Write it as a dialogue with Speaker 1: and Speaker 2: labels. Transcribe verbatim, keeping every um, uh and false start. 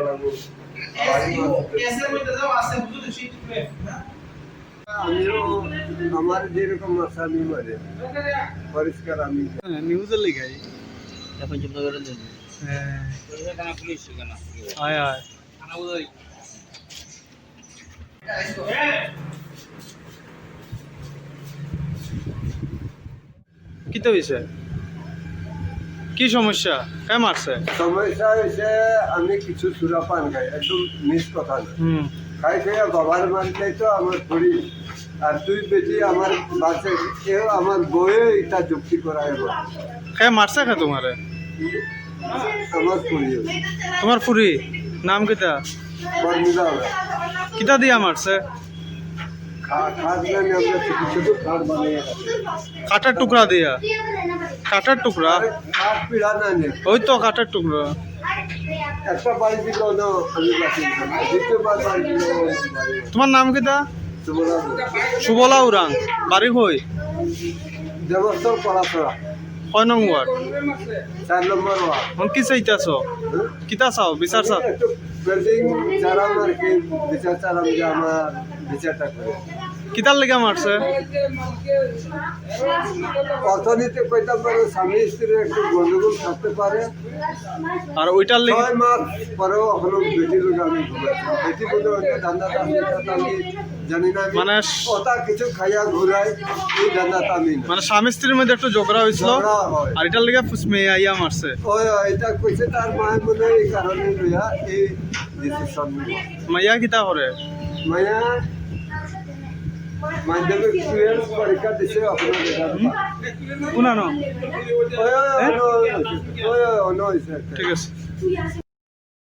Speaker 1: আমিও আমার যেরকম আছে আমি মানে পরিষ্কার আমি
Speaker 2: নিউজের লিগাই
Speaker 3: এখন জন্য করে দেন
Speaker 2: হ্যাঁ
Speaker 3: কেন পুলিশ কেন
Speaker 2: আয় আয়
Speaker 3: খানা বুঝাই
Speaker 2: কি তো হয়েছে কি সমস্যা কে মারছে
Speaker 1: সমস্যা হয়েছে আমি কিছু সুরা পান খাই একদম মিস কথা না
Speaker 2: হুম
Speaker 1: খাই খাইয়া বাবার মানতে তো আমার পড়ি আর তুই বেশি আমার বাসে কেউ আমার বইয়ে এটা যুক্তি করা এবার
Speaker 2: কে মারছে কে তোমারে
Speaker 1: আমার পড়ি
Speaker 2: তোমার ফুরি নাম কিতা
Speaker 1: বর্মিলা হবে
Speaker 2: কিতা দিয়া মারছে
Speaker 1: খাট না আমরা ছোটো ছোটো খাট বানিয়ে
Speaker 2: কাটার টুকরা দিয়া কাটার টুকরা
Speaker 1: আরে খাট পিড়া না নে
Speaker 2: ওই তো কাটার টুকরা
Speaker 1: একটা বাড়ি দিল না আমি বাসি দ্বিতীয়বার বাড়ি দিল
Speaker 2: তোমার নাম কিতা
Speaker 1: তোমরা
Speaker 2: সুবলা উরাং বাড়ি হই
Speaker 1: দেবস্থল পড়াশোনা
Speaker 2: কয় নং ওয়ার্ড
Speaker 1: চার নম্বর ওয়ার্ড
Speaker 2: এখন কি চাইতেছ কিতা চাও বিচার চাও
Speaker 1: একটু বিল্ডিং চালাম আর কি বিচার চালাম যে আমার বিচারটা করে
Speaker 2: কিতার লেগে মারছে
Speaker 1: অর্থনীতি কইতাম পারে স্বামী স্ত্রীর একটু গন্ডগোল থাকতে পারে
Speaker 2: আর ওইটার লেগে
Speaker 1: ছয় মাস পরেও এখনো বেটি লোক আমি ঘুরাইছি বেটি বলে ওইটা ধান্দাটা আমি আমি জানি না আমি
Speaker 2: মানে
Speaker 1: ওটা কিছু খাইয়া ঘুরাই এই ধান্দাটা আমি না।
Speaker 2: মানে স্বামী স্ত্রীর মধ্যে একটু ঝগড়া হয়েছিল
Speaker 1: ঝগড়া হয়।
Speaker 2: আর এটার লেগে মেয়ে আইয়া মারছে
Speaker 1: ওই ওই, এটা কইছে তার মায়ের মনে হয় এই কারণে লইয়া এই ডিসিশন নিল
Speaker 2: মাইয়া কিতা করে
Speaker 1: মায়া মাধ্যমিক টুয়েলভ পরীক্ষা দিছে আপনার
Speaker 2: শুনা ন
Speaker 1: ওই ওই ওই ওই ওই ওই
Speaker 2: ঠিক আছে